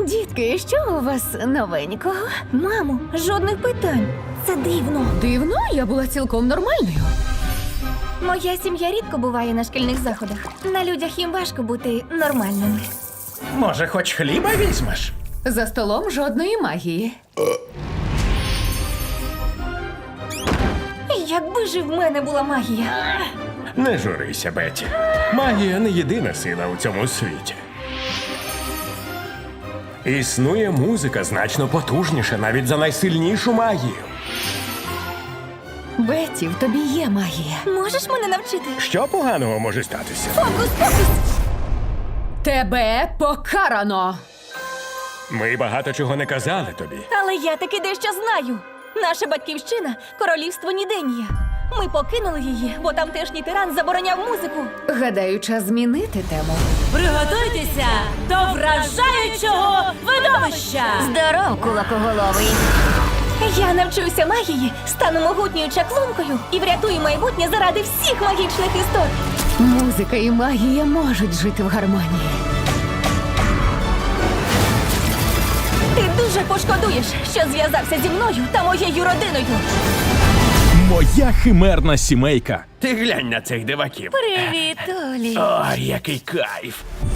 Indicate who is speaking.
Speaker 1: Дітки, що у вас новенького?
Speaker 2: Мамо, жодних питань. Це дивно.
Speaker 1: Дивно, я була цілком нормальною.
Speaker 2: Моя сім'я рідко буває на шкільних заходах. На людях їм важко бути нормальними.
Speaker 3: Може, хоч хліба візьмеш?
Speaker 1: За столом жодної магії.
Speaker 2: Якби ж в мене була магія.
Speaker 3: Не журися, Бетті. Магія не єдина сила у цьому світі. Існує музика значно потужніша навіть за найсильнішу магію.
Speaker 1: Бетті, в тобі є магія.
Speaker 2: Можеш мене навчити?
Speaker 3: Що поганого може статися?
Speaker 2: Фокус-покус!
Speaker 1: Тебе покарано!
Speaker 3: Ми багато чого не казали тобі.
Speaker 2: Але я таки дещо знаю. Наша батьківщина – королівство Ніденія. Ми покинули її, бо тамтешній тиран забороняв музику.
Speaker 1: Гадаю, час змінити тему.
Speaker 4: Приготуйтеся до вражаючого видовища!
Speaker 2: Здоров, кулакоголовий! Я навчуся магії, стану могутньою чаклункою і врятую майбутнє заради всіх магічних істот.
Speaker 1: Музика і магія можуть жити в гармонії.
Speaker 2: Ти дуже пошкодуєш, що зв'язався зі мною та моєю родиною.
Speaker 5: Моя химерна сімейка.
Speaker 3: Ти глянь на цих диваків.
Speaker 2: Привіт, Олі.
Speaker 3: Ой, який кайф.